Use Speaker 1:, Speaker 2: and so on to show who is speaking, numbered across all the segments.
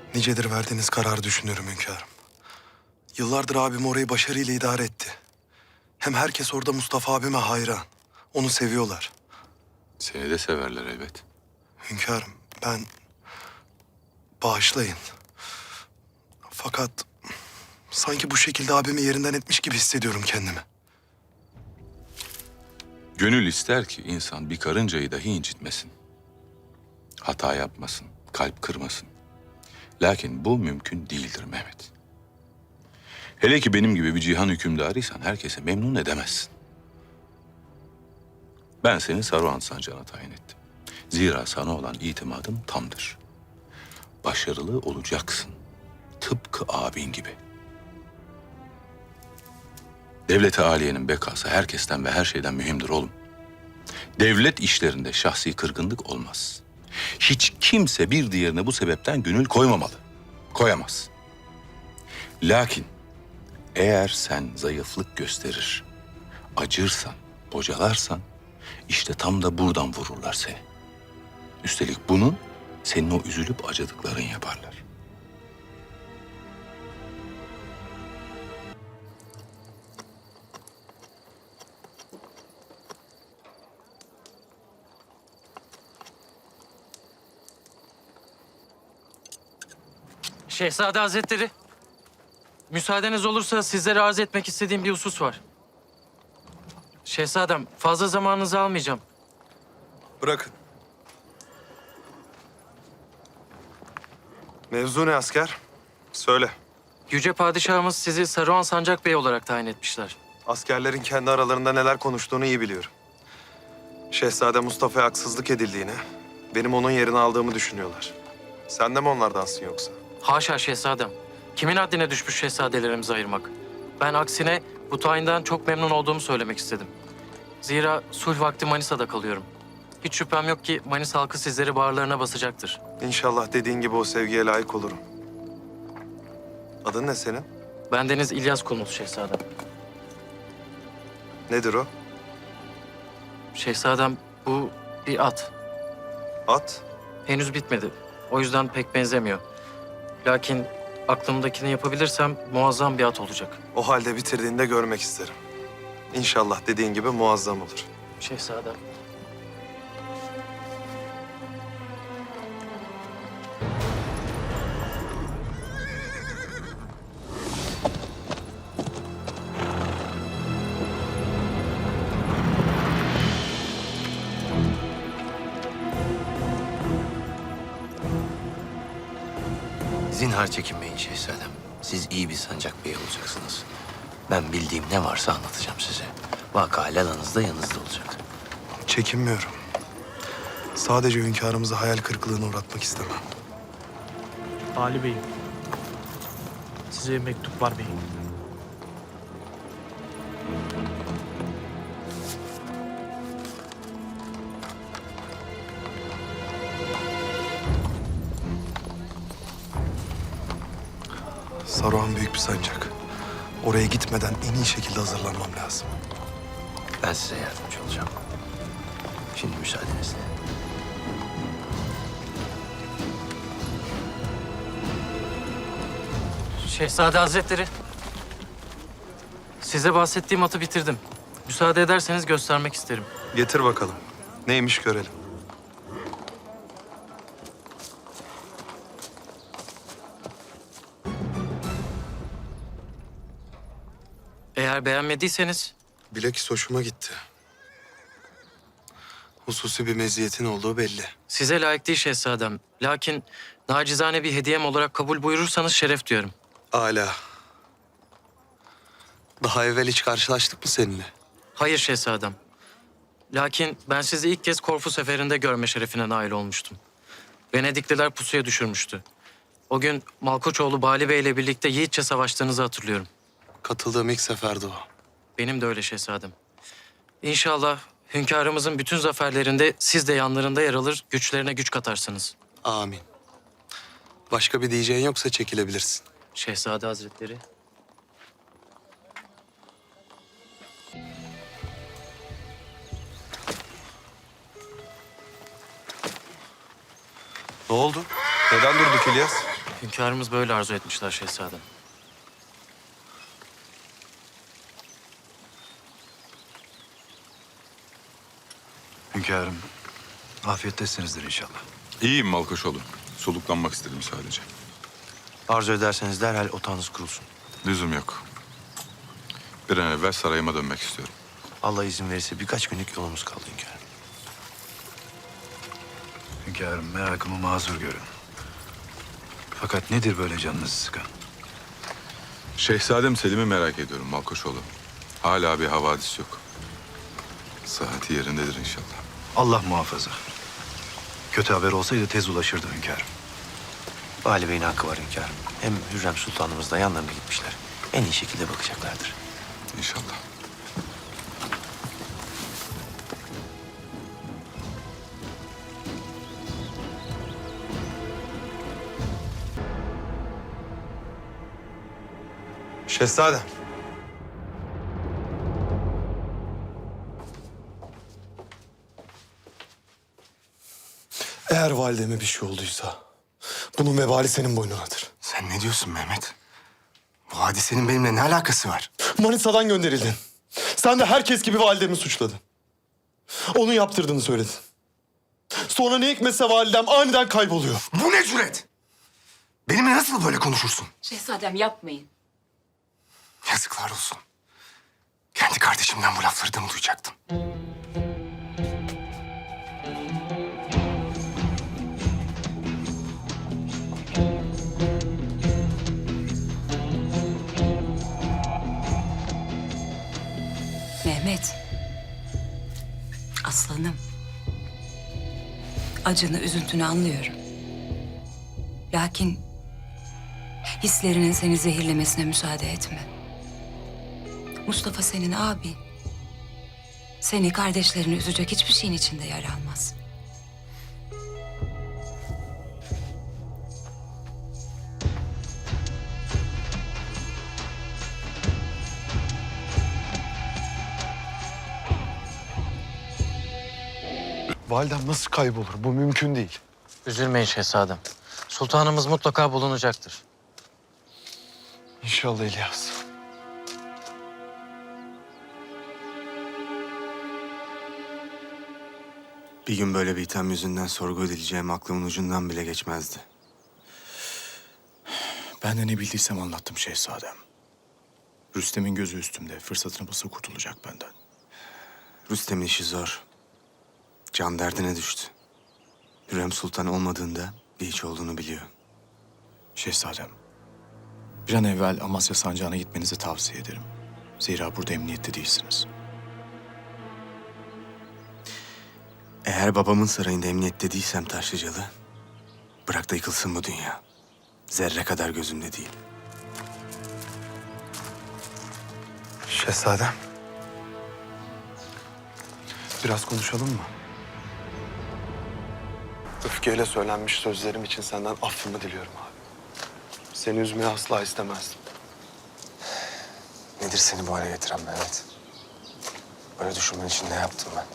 Speaker 1: Nicedir verdiğiniz kararı düşünüyorum hünkârım. Yıllardır abim orayı başarıyla idare etti. Hem herkes orada Mustafa abime hayran. Onu seviyorlar.
Speaker 2: Seni de severler elbet.
Speaker 1: Hünkârım ben... Bağışlayın. Fakat sanki bu şekilde abimi yerinden etmiş gibi hissediyorum kendimi.
Speaker 2: Gönül ister ki insan bir karıncayı dahi incitmesin. Hata yapmasın, kalp kırmasın. Lakin bu mümkün değildir Mehmet. Hele ki benim gibi bir cihan hükümdarıysan herkese memnun edemezsin. Ben seni Saruhan Sancağı'na tayin ettim. Zira sana olan itimadım tamdır. Başarılı olacaksın. Tıpkı abin gibi. Devlet-i Aliye'nin bekası herkesten ve her şeyden mühimdir oğlum. Devlet işlerinde şahsi kırgınlık olmaz. Hiç kimse bir diğerine bu sebepten gönül koymamalı. Koyamaz. Lakin eğer sen zayıflık gösterir, acırsan, bocalarsan işte tam da buradan vururlar seni. Üstelik bunu senin o üzülüp acıdıkların yaparlar.
Speaker 3: Şehzade Hazretleri, müsaadeniz olursa sizlere arz etmek istediğim bir husus var. Şehzadem, fazla zamanınızı almayacağım.
Speaker 1: Bırakın. Mevzu ne asker? Söyle.
Speaker 3: Yüce Padişahımız sizi Saruhan Sancak Bey olarak tayin etmişler.
Speaker 1: Askerlerin kendi aralarında neler konuştuğunu iyi biliyorum. Şehzade Mustafa'ya haksızlık edildiğini, benim onun yerini aldığımı düşünüyorlar. Sen de mi onlardansın yoksa?
Speaker 3: Haşa şehzadem. Kimin haddine düşmüş şehzadelerimizi ayırmak? Ben aksine bu tayinden çok memnun olduğumu söylemek istedim. Zira sulh vakti Manisa'da kalıyorum. Hiç şüphem yok ki Manisa halkı sizleri bağırlarına basacaktır.
Speaker 1: İnşallah dediğin gibi o sevgiye layık olurum. Adın ne senin?
Speaker 3: Bendeniz İlyas Kulmuz şehzadem.
Speaker 1: Nedir o?
Speaker 3: Şehzadem, bu bir at.
Speaker 1: At.
Speaker 3: Henüz bitmedi. O yüzden pek benzemiyor. Lakin aklımdakini yapabilirsem muazzam bir at olacak.
Speaker 1: O halde bitirdiğinde görmek isterim. İnşallah dediğin gibi muazzam olur.
Speaker 3: Şehzadem.
Speaker 4: Zinhar çekinmeyin şehzadem. Siz iyi bir sancak beyi olacaksınız. Ben bildiğim ne varsa anlatacağım size. Vaka lalanız da yanınızda olacak.
Speaker 1: Çekinmiyorum. Sadece hünkârımızı hayal kırıklığına uğratmak istemem.
Speaker 5: Ali Bey'im. Size mektup var beyim.
Speaker 1: Saruhan büyük bir sancak. Oraya gitmeden en iyi şekilde hazırlanmam lazım.
Speaker 4: Ben size yardımcı olacağım. Şimdi müsaadenizle.
Speaker 3: Şehzade Hazretleri. Size bahsettiğim atı bitirdim. Müsaade ederseniz göstermek isterim.
Speaker 1: Getir bakalım. Neymiş görelim.
Speaker 3: Eğer beğenmediyseniz
Speaker 1: Bilakis hoşuma gitti. Hususi bir meziyetin olduğu belli.
Speaker 3: size layık değil şehzadem. Lakin nacizane bir hediyem olarak kabul buyurursanız şeref duyarım.
Speaker 1: Âlâ. Daha evvel hiç karşılaştık mı seninle?
Speaker 3: Hayır şehzadem. Lakin ben sizi ilk kez Korfu seferinde görme şerefine nail olmuştum. Venedikliler pusuya düşürmüştü. O gün Malkoçoğlu Bali Bey ile birlikte yiğitçe savaştığınızı hatırlıyorum.
Speaker 1: Katıldığım ilk seferdi o.
Speaker 3: Benim de öyle şehzadem. İnşallah hünkârımızın bütün zaferlerinde siz de yanlarında yer alır, güçlerine güç katarsınız.
Speaker 1: Amin. Başka bir diyeceğin yoksa çekilebilirsin.
Speaker 3: Şehzade Hazretleri.
Speaker 1: Ne oldu? Neden durduk İlyas?
Speaker 3: Hünkârımız böyle arzu etmişler şehzadem.
Speaker 6: Hünkârım, afiyettesinizdir inşallah.
Speaker 2: İyiyim Malkoçoğlu. Soluklanmak istedim sadece.
Speaker 4: Arzu ederseniz derhal otağınız kurulsun.
Speaker 2: Lüzum yok. Bir an evvel sarayıma dönmek istiyorum.
Speaker 4: Allah izin verirse birkaç günlük yolumuz kaldı hünkârım.
Speaker 6: Hünkârım, merakımı mazur görün. Fakat nedir böyle canınızı sıkan?
Speaker 2: Şehzadem Selim'i merak ediyorum Malkoçoğlu. Hala bir havadis yok. Sıhhati yerindedir inşallah.
Speaker 6: Allah muhafaza. Kötü haber olsaydı tez ulaşırdı hünkârım.
Speaker 4: Vali Bey'in hakkı var hünkârım. Hem Hürrem Sultanımız da yanlarına gitmişler. En iyi şekilde bakacaklardır.
Speaker 2: İnşallah.
Speaker 1: Şehzadem.
Speaker 7: Eğer valideme bir şey olduysa bunun vebali senin boynunadır.
Speaker 8: Sen ne diyorsun Mehmet? Bu hadisenin benimle ne alakası var?
Speaker 7: Manisa'dan gönderildin. Sen de herkes gibi validemi suçladın. Onun yaptırdığını söyledin. Sonra ne hikmetse validem aniden kayboluyor.
Speaker 8: Bu ne cüret? Benimle nasıl böyle konuşursun?
Speaker 9: Şehzadem yapmayın.
Speaker 8: Yazıklar olsun. Kendi kardeşimden bu lafları da mı duyacaktım?
Speaker 9: Mehmet. Aslanım. Acını, üzüntünü anlıyorum. Lakin hislerinin seni zehirlemesine müsaade etme. Mustafa senin abin. Seni, kardeşlerini üzecek hiçbir şeyin içinde yer almaz.
Speaker 7: Validem nasıl kaybolur? Bu mümkün değil.
Speaker 3: Üzülmeyin şehzadem. Sultanımız mutlaka bulunacaktır.
Speaker 7: İnşallah İlyas.
Speaker 8: Bir gün böyle bir itham yüzünden sorgu edileceğim aklımın ucundan bile geçmezdi.
Speaker 10: Ben de ne bildiysem anlattım şehzadem. Rüstem'in gözü üstümde. Fırsatını bulsa kurtulacak benden.
Speaker 8: Rüstem'in işi zor. Can derdine düştü. Hürrem Sultan olmadığında bir hiç olduğunu biliyor.
Speaker 10: Şehzadem, bir an evvel Amasya Sancağı'na gitmenizi tavsiye ederim. Zira burada emniyette değilsiniz.
Speaker 8: Eğer babamın sarayında emniyette değilsem Taşlıcalı, bırak da yıkılsın bu dünya. Zerre kadar gözümde değil.
Speaker 7: Şehzadem. Biraz konuşalım mı? Öfkeyle söylenmiş sözlerim için senden affımı diliyorum abi. Seni üzmeyi asla istemezdim.
Speaker 8: Nedir seni bu hale getiren Mehmet? Böyle düşünmen için ne yaptım ben?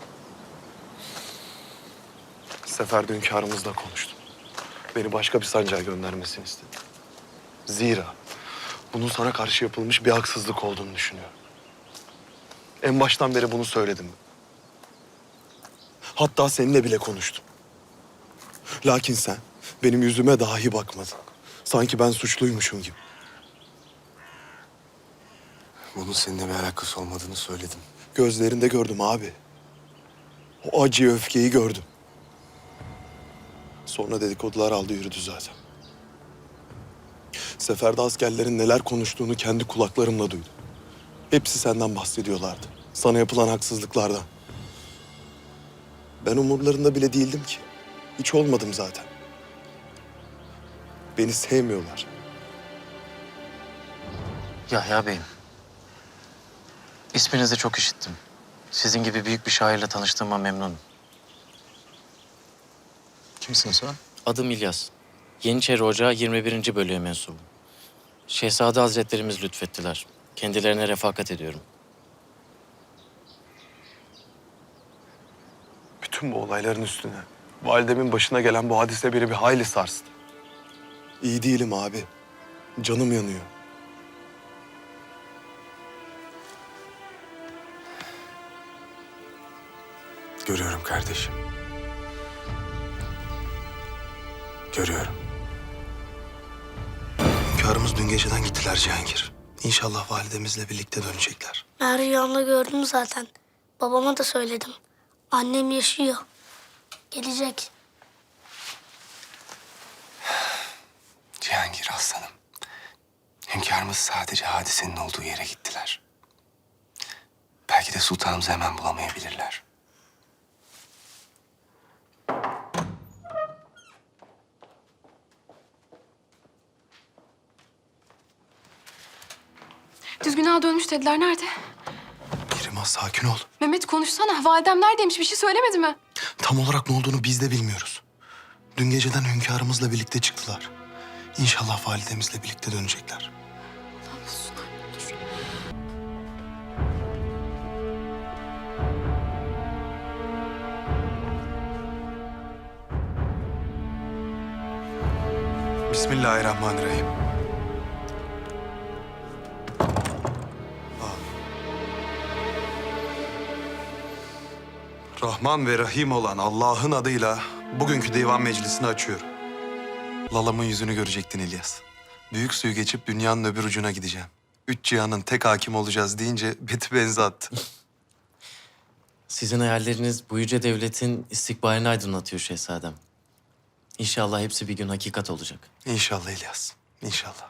Speaker 7: Seferde hünkârımızla konuştum. Beni başka bir sancağa göndermesini istedi. Zira bunun sana karşı yapılmış bir haksızlık olduğunu düşünüyorum. En baştan beri bunu söyledim. Hatta seninle bile konuştum. Lakin sen benim yüzüme dahi bakmadın. Sanki ben suçluymuşum gibi.
Speaker 8: Bunun seninle bir alakası olmadığını söyledim.
Speaker 7: Gözlerinde gördüm abi. O acıyı, öfkeyi gördüm. Sonra dedikodular aldı yürüdü zaten. Seferde askerlerin neler konuştuğunu kendi kulaklarımla duydum. Hepsi senden bahsediyorlardı. Sana yapılan haksızlıklardan. Ben umurlarında bile değildim ki. Hiç olmadım zaten. Beni sevmiyorlar.
Speaker 3: Yahya Bey'im. İsminizi çok işittim. Sizin gibi büyük bir şairle tanıştığıma memnunum.
Speaker 10: Kimsin sen?
Speaker 3: Adım İlyas. Yeniçeri Ocağı 21. bölüğe mensubum. Şehzade Hazretlerimiz lütfettiler. Kendilerine refakat ediyorum.
Speaker 7: Bütün bu olayların üstüne validemin başına gelen bu hadise beni bir hayli sarstı. İyi değilim abi. Canım yanıyor.
Speaker 8: Görüyorum kardeşim. Görüyorum.
Speaker 7: Hünkârımız dün geceden gittiler Cihangir. İnşallah validemizle birlikte dönecekler.
Speaker 11: Ben rüyamda gördüm zaten. Babama da söyledim. Annem yaşıyor. Gelecek.
Speaker 8: Cihangir aslanım. Hünkârımız sadece hadisenin olduğu yere gittiler. Belki de sultanımızı hemen bulamayabilirler.
Speaker 12: Düzgün ağa dönmüş dediler. Nerede?
Speaker 7: Mihrimah sakin ol.
Speaker 12: Mehmet konuşsana. Validem neredeymiş? Bir şey söylemedi mi?
Speaker 7: Tam olarak ne olduğunu biz de bilmiyoruz. Dün geceden hünkârımızla birlikte çıktılar. İnşallah validemizle birlikte dönecekler. Bismillahirrahmanirrahim. Rahman ve Rahim olan Allah'ın adıyla bugünkü divan meclisini açıyorum. Lalam'ın yüzünü görecektin İlyas. Büyük suyu geçip dünyanın öbür ucuna gideceğim. 3 cihanın tek hakim olacağız deyince beti benzi attı.
Speaker 3: Sizin hayalleriniz bu yüce devletin istikbalini aydınlatıyor şehzadem. İnşallah hepsi bir gün hakikat olacak.
Speaker 7: İnşallah İlyas, inşallah.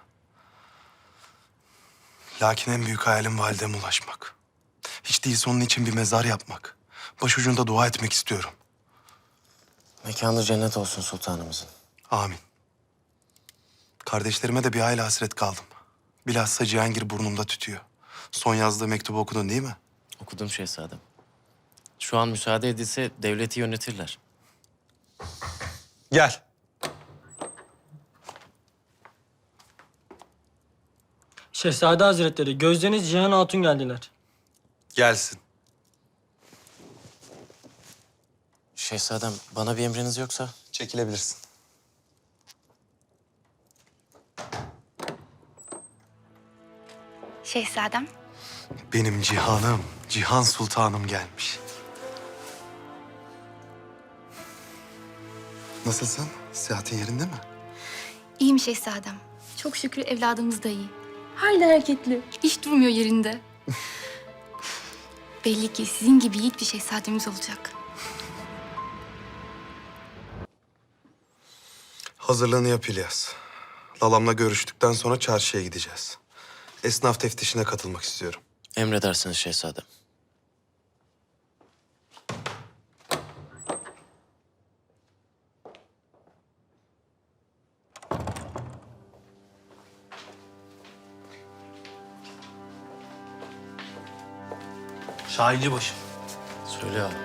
Speaker 7: Lakin en büyük hayalim valideme ulaşmak. Hiç değilse onun için bir mezar yapmak. Başucunda dua etmek istiyorum.
Speaker 3: Mekanı cennet olsun sultanımızın.
Speaker 7: Amin. Kardeşlerime de bir hayli hasret kaldım. Bilhassa Cihangir burnumda tütüyor. Son yazdığı mektubu okudun değil mi?
Speaker 3: Okudum şehzadem. Şu an müsaade edilse devleti yönetirler.
Speaker 7: Gel.
Speaker 13: Şehzade Hazretleri, gözleriniz Cihan Hatun geldiler.
Speaker 7: Gelsin.
Speaker 3: Şehzadem bana bir emriniz yoksa?
Speaker 7: Çekilebilirsin.
Speaker 12: Şehzadem.
Speaker 7: Benim Cihan'ım, Cihan Sultanım gelmiş. Nasılsın? Sıhhatin yerinde mi?
Speaker 12: İyiyim şehzadem. Çok şükür evladımız da iyi. Hala hareketli. Hiç durmuyor yerinde. Belli ki sizin gibi yiğit bir şehzademiz olacak.
Speaker 7: Hazırlığını yap İlyas. Lalam'la görüştükten sonra çarşıya gideceğiz. Esnaf teftişine katılmak istiyorum.
Speaker 3: Emredersiniz şehzadem.
Speaker 5: Şahinci başım.
Speaker 3: Söyle abi.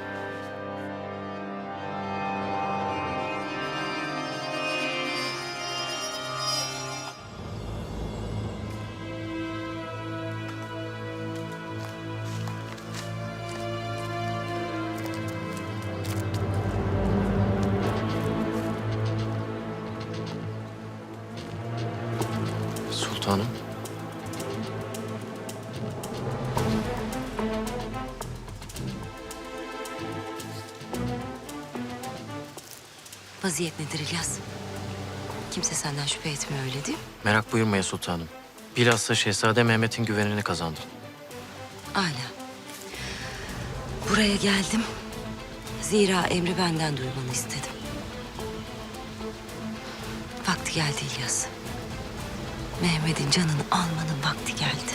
Speaker 3: Sultanım.
Speaker 9: Vaziyet nedir İlyas? Kimse senden şüphe etmiyor öyle değil mi?
Speaker 3: Merak buyurmaya sultanım. Bilhassa Şehzade Mehmet'in güvenini kazandım.
Speaker 9: Âlâ. Buraya geldim. Zira emri benden duymanı istedim. Vakti geldi İlyas. Mehmet'in canını almanın vakti geldi.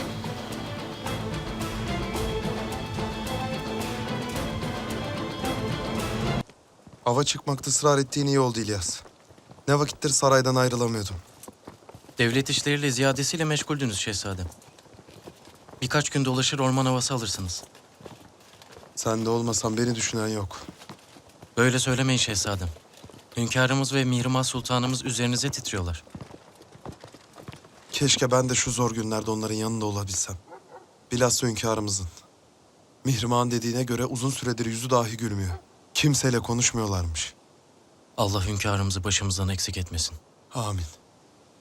Speaker 7: Ava çıkmakta ısrar ettiğin iyi oldu İlyas. Ne vakittir saraydan ayrılamıyordum.
Speaker 3: Devlet işleriyle ziyadesiyle meşguldünüz şehzadem. Birkaç gün dolaşır orman havası alırsınız.
Speaker 7: Sen de olmasan beni düşünen yok.
Speaker 3: Böyle söylemeyin şehzadem. Hünkârımız ve Mihrimah Sultanımız üzerinize titriyorlar.
Speaker 7: Keşke ben de şu zor günlerde onların yanında olabilsem. Bilhassa hünkârımızın. Mihrimah'ın dediğine göre uzun süredir yüzü dahi gülmüyor. Kimseyle konuşmuyorlarmış.
Speaker 3: Allah hünkârımızı başımızdan eksik etmesin.
Speaker 7: Amin.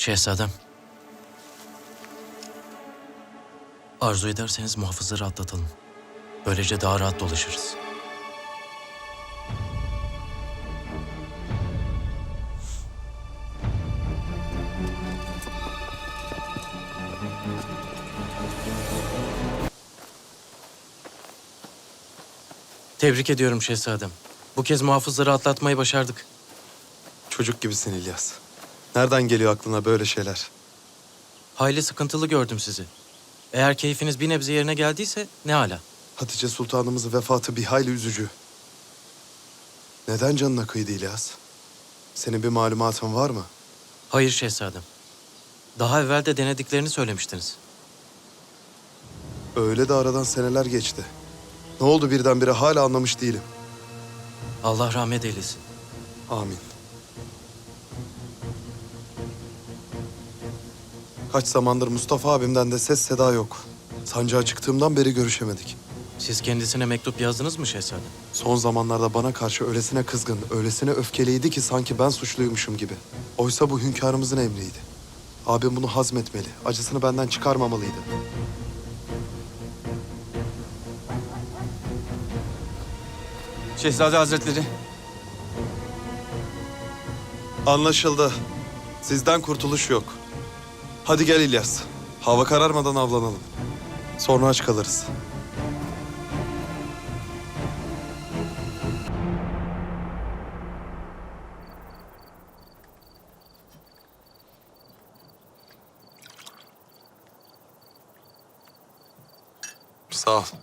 Speaker 3: Şehzadem. Arzu ederseniz muhafızları atlatalım. Böylece daha rahat dolaşırız. Tebrik ediyorum şehzadem. Bu kez muhafızları atlatmayı başardık.
Speaker 1: Çocuk gibisin İlyas. Nereden geliyor aklına böyle şeyler?
Speaker 3: Hayli sıkıntılı gördüm sizi. Eğer keyfiniz bir nebze yerine geldiyse ne hala.
Speaker 1: Hatice Sultanımızın vefatı bir hayli üzücü. Neden canına kıydı İlyas? Senin bir malumatın var mı?
Speaker 3: Hayır şehzadem. Daha evvel de denediklerini söylemiştiniz.
Speaker 1: Öyle de aradan seneler geçti. Ne oldu birdenbire hala anlamış değilim.
Speaker 3: Allah rahmet eylesin.
Speaker 1: Amin. Kaç zamandır Mustafa abimden de ses seda yok. Sancağa çıktığımdan beri görüşemedik.
Speaker 3: Siz kendisine mektup yazdınız mı şehzadem?
Speaker 1: Son zamanlarda bana karşı öylesine kızgın, öylesine öfkeliydi ki sanki ben suçluymuşum gibi. Oysa bu hünkârımızın emriydi. Abim bunu hazmetmeli, acısını benden çıkarmamalıydı.
Speaker 8: Şehzade Hazretleri.
Speaker 1: Anlaşıldı. Sizden kurtuluş yok. Hadi gel İlyas. Hava kararmadan avlanalım. Sonra aç kalırız. Sağ ol.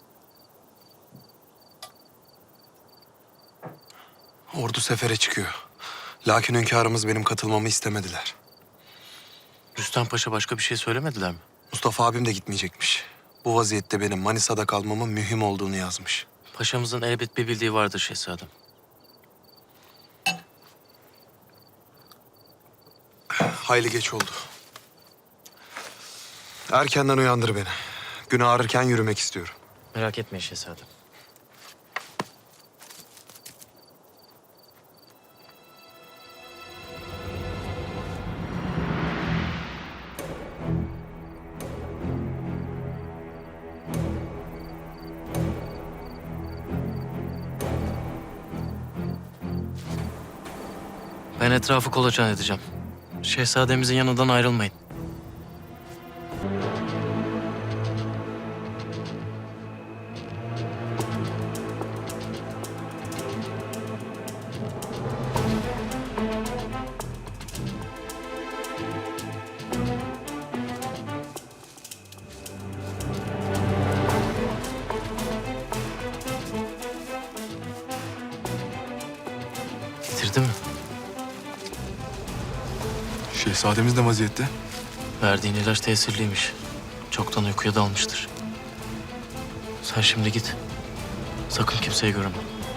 Speaker 1: Ordu sefere çıkıyor. Lakin hünkârımız benim katılmamı istemediler.
Speaker 3: Rüstem Paşa başka bir şey söylemediler mi?
Speaker 1: Mustafa abim de gitmeyecekmiş. Bu vaziyette benim Manisa'da kalmamın mühim olduğunu yazmış.
Speaker 3: Paşamızın elbet bir bildiği vardır şehzadem.
Speaker 1: Hayli geç oldu. Erkenden uyandır beni. Gün ağrırken yürümek istiyorum.
Speaker 3: Merak etmeyin şehzadem. Ben etrafı kolaçan edeceğim. Şehzademizin yanından ayrılmayın. Getirdi mi?
Speaker 6: Şehzademiz ne vaziyette?
Speaker 3: Verdiğin ilaç tesirliymiş. Çoktan uykuya dalmıştır. Sen şimdi git. Sakın kimseye görünme.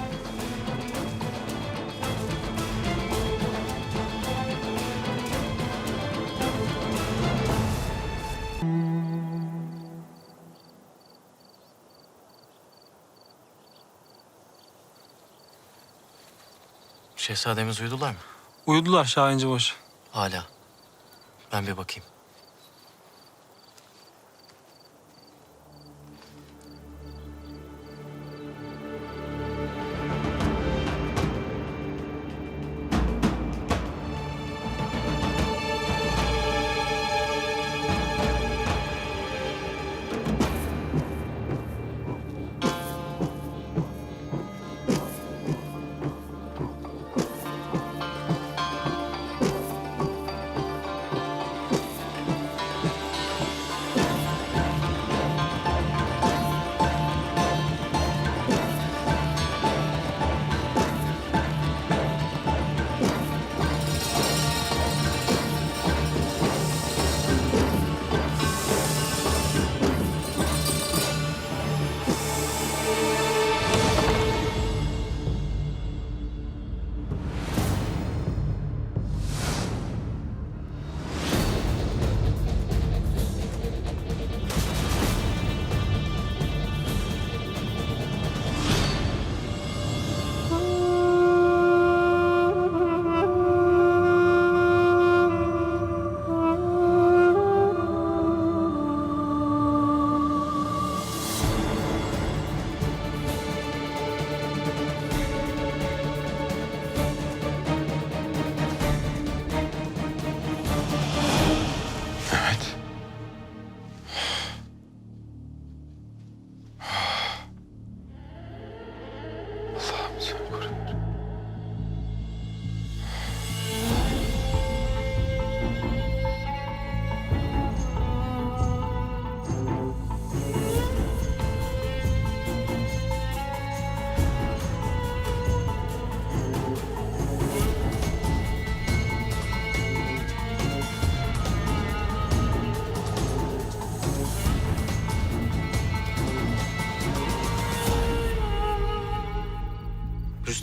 Speaker 3: Şehzademiz uyudular mı?
Speaker 13: Uyudular Şahincibaşı.
Speaker 3: Hala. Ben bir bakayım.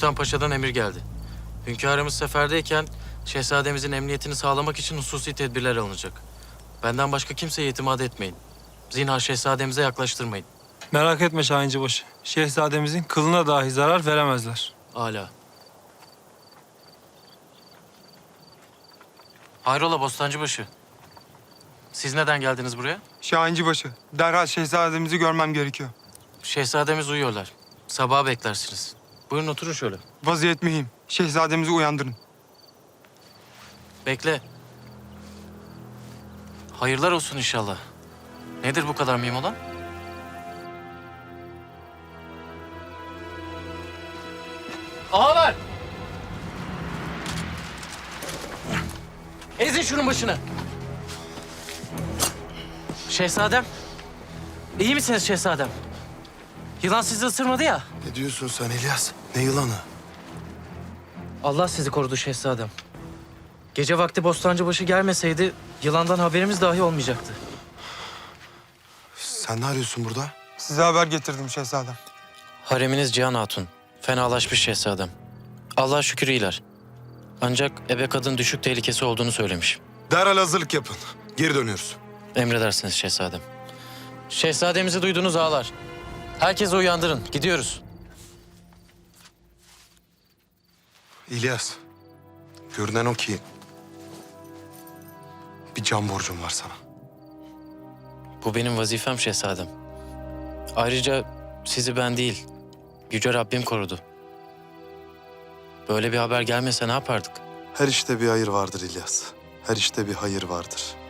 Speaker 3: Sultan Paşa'dan emir geldi. Hünkârımız seferdeyken şehzademizin emniyetini sağlamak için hususi tedbirler alınacak. Benden başka kimseye itimat etmeyin. Zinhar şehzademize yaklaştırmayın.
Speaker 13: Merak etme Şahincibaşı. Şehzademizin kılına dahi zarar veremezler.
Speaker 3: Âlâ. Hayrola Bostancıbaşı? Siz neden geldiniz buraya?
Speaker 14: Şahincibaşı, derhal şehzademizi görmem gerekiyor.
Speaker 3: Şehzademiz uyuyorlar. Sabaha beklersiniz. Buyurun oturun şöyle.
Speaker 14: Vaziyet mühim. Şehzademizi uyandırın.
Speaker 3: Bekle. Hayırlar olsun inşallah. Nedir bu kadar mühim olan? Ağalar! Ezin şunun başını. Şehzadem. İyi misiniz şehzadem? Yılan sizi ısırmadı ya.
Speaker 7: Ne diyorsun sen İlyas? Ne yılanı?
Speaker 3: Allah sizi korudu şehzadem. Gece vakti Bostancıbaşı gelmeseydi yılandan haberimiz dahi olmayacaktı.
Speaker 7: Sen ne arıyorsun burada?
Speaker 14: Size haber getirdim şehzadem.
Speaker 3: Hareminiz Cihan Hatun. Fenalaşmış şehzadem. Allah'a şükür iyiler. Ancak ebe kadın düşük tehlikesi olduğunu söylemiş.
Speaker 7: Derhal hazırlık yapın. Geri dönüyoruz.
Speaker 3: Emredersiniz şehzadem. Şehzademizi duydunuz ağalar. Herkesi uyandırın. Gidiyoruz.
Speaker 7: İlyas, görünen o ki bir can borcum var sana.
Speaker 3: Bu benim vazifem şehzadem. Ayrıca sizi ben değil, Yüce Rabbim korudu. Böyle bir haber gelmese ne yapardık?
Speaker 7: Her işte bir hayır vardır İlyas. Her işte bir hayır vardır.